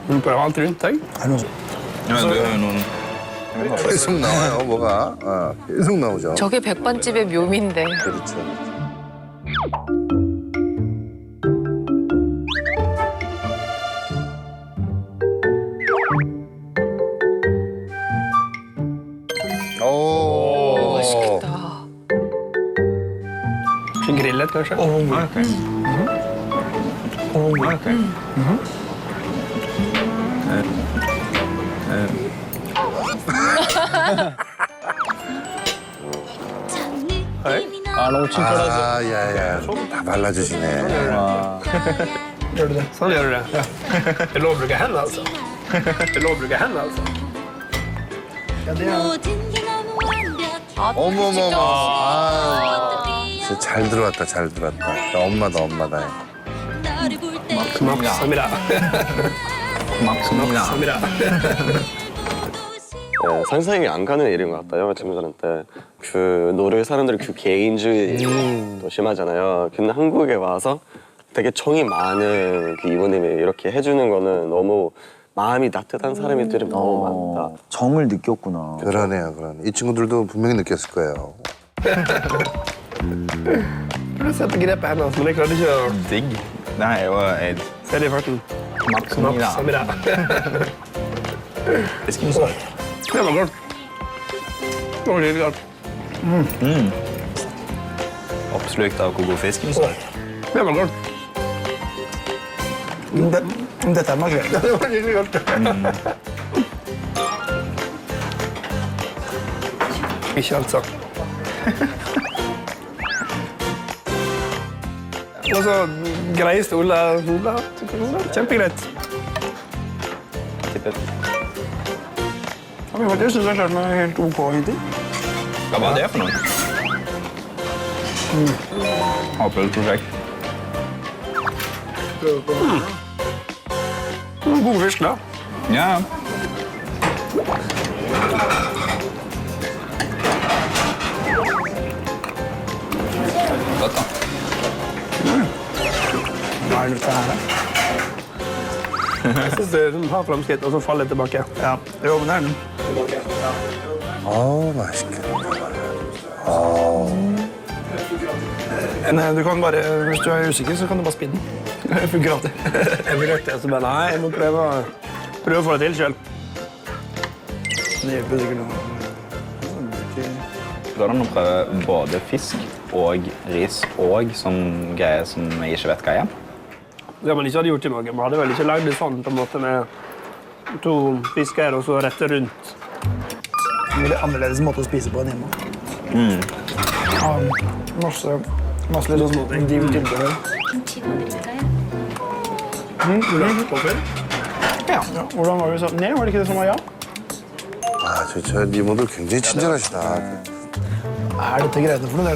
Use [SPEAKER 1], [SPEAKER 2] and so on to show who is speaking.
[SPEAKER 1] Du prøver alt rundt deg.
[SPEAKER 2] Er det noe sånt?
[SPEAKER 3] Ja, du har jo noen
[SPEAKER 4] 계속 나와요, 뭐가. 계속 나오죠.
[SPEAKER 5] 저게 백반집의 묘미인데.
[SPEAKER 4] 그렇죠. 오.
[SPEAKER 5] 맛있겠다.
[SPEAKER 1] Grillet, kanskje?
[SPEAKER 3] Ok. Ok.
[SPEAKER 2] Er det noe 칭찬하지?
[SPEAKER 4] 아, 야야. 다 발라주시네.
[SPEAKER 2] Gjør du det?
[SPEAKER 1] Sånn gjør du det. Det er lov å bruke hendene, altså. Det er lov å bruke hendene, altså.
[SPEAKER 2] Ja, det er
[SPEAKER 4] 어머머머. 아, 진짜 잘 들어왔다, 잘 들어왔다. 엄마다, 엄마다.
[SPEAKER 1] Maksamida.
[SPEAKER 3] Maksimila.
[SPEAKER 6] 상상이 안 가는 일인 것 같아요. 친구들한테 그 노르웨이 사람들이 그 개인주의도 심하잖아요. 근데 한국에 와서 되게 정이 많은 그 이모님이 이렇게 해주는 거는 너무 마음이 따뜻한 사람들이 너무 많다.
[SPEAKER 7] 정을 느꼈구나.
[SPEAKER 4] 그러네요, 그러네. 이 친구들도 분명히 느꼈을 거예요.
[SPEAKER 1] Du setter grep på hendene, men jeg klarte ikke å
[SPEAKER 3] Digg. Det her er jo et
[SPEAKER 1] se det i farten.
[SPEAKER 3] Maksimila.
[SPEAKER 1] Maksamida.
[SPEAKER 3] Fiskemsalt.
[SPEAKER 1] Det var godt. Det var litt godt.
[SPEAKER 3] Oppslukt av hvor god fiskemsalt.
[SPEAKER 1] Det var godt.
[SPEAKER 2] Dette er makrell.
[SPEAKER 1] Det var litt godt. Ikke alt sagt. Og så greie stoler. Kjempegreit.
[SPEAKER 3] Tippet.
[SPEAKER 2] Ja, men jeg synes jeg klarte meg helt OK hittil.
[SPEAKER 3] Hva var det for noe? Havprøveprosjekt.
[SPEAKER 1] God fisk, da.
[SPEAKER 3] Ja. Godt, da.
[SPEAKER 2] Hva er dette her?
[SPEAKER 1] Jeg synes det har fremskritt, og så faller det tilbake.
[SPEAKER 2] Ja, jo, men det er den.
[SPEAKER 4] 맛있겠다.
[SPEAKER 2] Men du kan bare, hvis du er usikker, så kan du bare spinne den. Det funker alltid.
[SPEAKER 1] Jeg forsøkte, så bare nei, jeg må prøve å få det til selv.
[SPEAKER 2] Det hjelper sikkert noe.
[SPEAKER 3] Går det an å prøve både fisk og ris og sånn greier som jeg ikke vet hva er?
[SPEAKER 1] Det man ikke hadde gjort i Norge, man hadde vel ikke lagd det sånn på en måte med 2 fisker og så rette rundt.
[SPEAKER 2] En veldig annerledes måte å spise på enn hjemme. Ja, masse litt sånn div tilbehør. Ja, hvordan var det vi sa? Nei, var det ikke det som var ja?
[SPEAKER 4] 아, 저 이모들 굉장히 친절하시다.
[SPEAKER 2] Er dette greiene for noe?